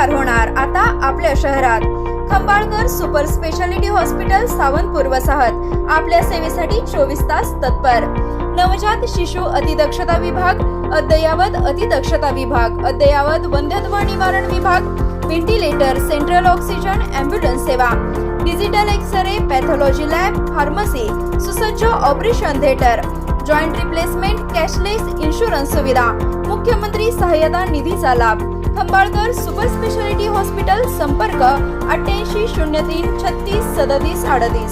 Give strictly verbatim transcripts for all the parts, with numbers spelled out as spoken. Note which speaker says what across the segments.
Speaker 1: विस्तार होणार आता आपल्या शहरात। Khambalkar super speciality hospital Sawantpur वसाहत आपल्या सेवेसाठी चोवीस तास तत्पर। नवजात शिशु अतिदक्षता विभाग, अद्ययावत अतिदक्षता विभाग, अद्ययावत वंध्यत्व निवारण विभाग, व्हेंटिलेटर, सेंट्रल ऑक्सिजन, एम्ब्युलन्स सेवा, digital x-ray, pathology lab, pharmacy, सुसज्ज operation theatre, joint replacement, cashless insurance सुविधा, मुख्यमंत्री सहायता निधीचा लाभ। खंबाळकर सुपर स्पेशालिटी हॉस्पिटल, संपर्क अठ्ठ्याऐंशी शून्य तीन छत्तीस सदतीस अडतीस।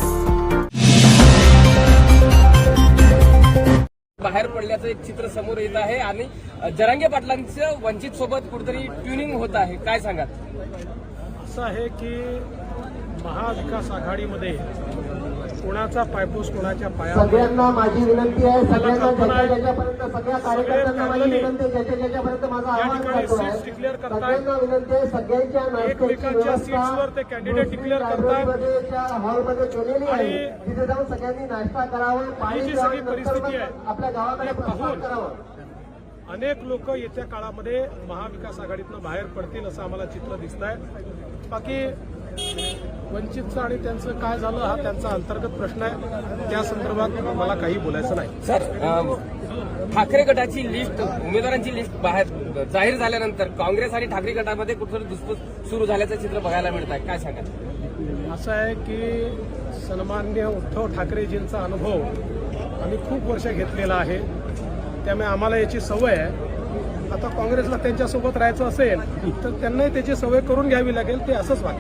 Speaker 2: बाहेर पडल्याचं एक चित्र समोर येत आहे आणि जरांगे पाटलांचं वंचित सोबत कुठेतरी ट्युनिंग होत आहे, काय सांगाल?
Speaker 3: असं आहे की महाविकास आघाडीमध्ये कोणाचा पायपूस कोणाच्या पायावर
Speaker 4: सगळ्यांना माझी विनंती आहे, सगळ्यांना ज्याच्या ज्याच्यापर्यंत सगळ्या कार्यकर्त्यांना माझी विनंती आहे, ज्याच्या ज्याच्यापर्यंत माझा आवाज जातो आहे, सगळ्यांना विनंती आहे, सगळ्यांच्या
Speaker 3: एकमेकांच्या सीट्सवर ते कॅन्डिडेट डिक्लेअर करतात
Speaker 4: हॉलमध्ये केलेली आहे, तिथे जाऊन सगळ्यांनी नाश्ता करावा, पाणी
Speaker 3: जी सगळी परिस्थिती आहे
Speaker 4: आपल्या गावाकडे प्रस्थान करावं।
Speaker 3: अनेक लोक येत्या काळामध्ये महाविकास आघाडीतनं बाहेर पडतील असं आम्हाला चित्र दिसत आहे। बाकी वंचितचं आणि त्यांचं काय झालं हा त्यांचा अंतर्गत प्रश्न आहे, त्या संदर्भात मला काही बोलायचं नाही।
Speaker 2: सर, ठाकरे गटाची लिस्ट, उमेदवारांची लिस्ट बाहेर जाहीर झाल्यानंतर काँग्रेस आणि ठाकरे गटामध्ये कुठेतरी धुसफूस सुरू झाल्याचं चित्र बघायला मिळत आहे, काय सांगाल?
Speaker 3: असं आहे की सन्माननीय उद्धव ठाकरेजींचा अनुभव आम्ही खूप वर्ष घेतलेला आहे, त्यामुळे आम्हाला याची सवय आहे। आता काँग्रेसला त्यांच्यासोबत राहायचं असेल तर त्यांनाही त्याची सवय करून घ्यावी लागेल, ते असंच वाटतं।